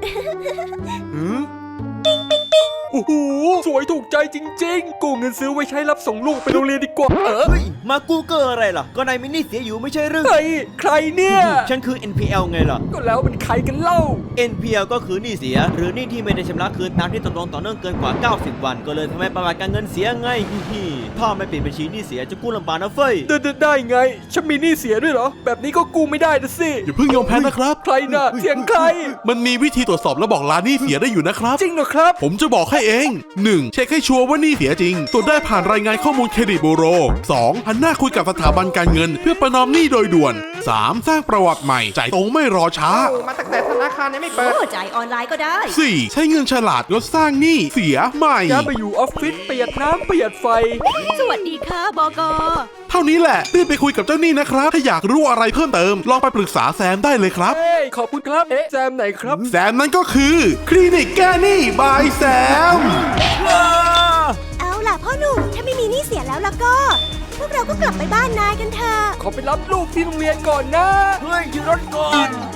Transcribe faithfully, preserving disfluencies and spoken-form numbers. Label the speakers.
Speaker 1: หืมปิ๊งปิ๊งปิ๊งโอ้โหสวยถูกใจจริงๆกู้เงินซื้อไว้ใช้รับส่งลูกไปโรงเรียนดีกว่าเออ
Speaker 2: เฮ้ยมากูเกอร์อะไรล่ะก็นายมินี่เสียอยู่ไม่ใช่หรือ
Speaker 1: ใครใครเนี่ย
Speaker 2: ฉันคือ เอ็น พี แอล ไงล่ะ
Speaker 1: ก็แล้วเป็นใครกันเล่า
Speaker 2: เอ็น พี แอล ก็คือหนี้เสียหรือหนี้ที่ไม่ได้ชำระคืนตามที่ตกลงต่อเนื่องเกินกว่าเก้าสิบวันก็เลยทำให้ประวัติการเงินเสียไงฮิถ้าไม่ปิดบัญชีหนี้เสียจะกู้ลำบากนะเฟ้ย
Speaker 1: ได้ได้ได้ไงฉันมีหนี้เสียด้วยเหรอแบบนี้ก็กู้ไม่ได้นะสิ
Speaker 3: อย่าเพิ่งยอมแพ้นะครับ
Speaker 1: ใครน่ะเสียงใคร
Speaker 3: มันมีวิธีตรวจสอบและบอกลาหนี้เสียได้อยู่นะครับ
Speaker 1: จริงเหรอครับ
Speaker 3: ผมจะบอกให้เอง หนึ่ง เช็คให้ชัวร์ว่าหนี้เสียจริง ตรวจได้ผ่านรายงานข้อมูลเครดิตบูโร สอง หันหน้าคุยกับสถาบันการเงิน เพื่อประนอมหนี้โดยด่วน สาม สร้างประวัติใหม่จ่ายตรงไม่รอช้า
Speaker 1: มาตั้งแต่ธนาคารยังไม่เปิด
Speaker 4: โอ้จ่ายออนไลน์ก็ได้
Speaker 3: สี่ ใช้เงินฉลาดลดสร้างหนี้เสียใหม่
Speaker 1: ย้ายไปอยู่ออฟฟิศประหยัดน้ำประหยัดไฟ
Speaker 4: สวัสดีค่ะบก
Speaker 3: เท่านี้แหละรีบไปคุยกับเจ้าหนี้นะครับ ถ้าอยากรู้อะไรเพิ่มเติม ลองไปปรึกษาแซมได้เลยครับ
Speaker 1: เฮ้ยขอบคุณครับ เอ๊ะแซมไหนครับ
Speaker 3: แซมนั้นก็คือ คลินิกแก้หนี้บายแซม
Speaker 5: เอาล่ะพ่อหนุ่มถ้าไม่มีหนี้เสียแล้วแล้วก็ พวกเราก็กลับไปบ้านนายกันเถอะ
Speaker 1: ขอไปรับลูกที่โรงเรียนก่อนนะ
Speaker 2: เฮ้ยหยุดรถก่อน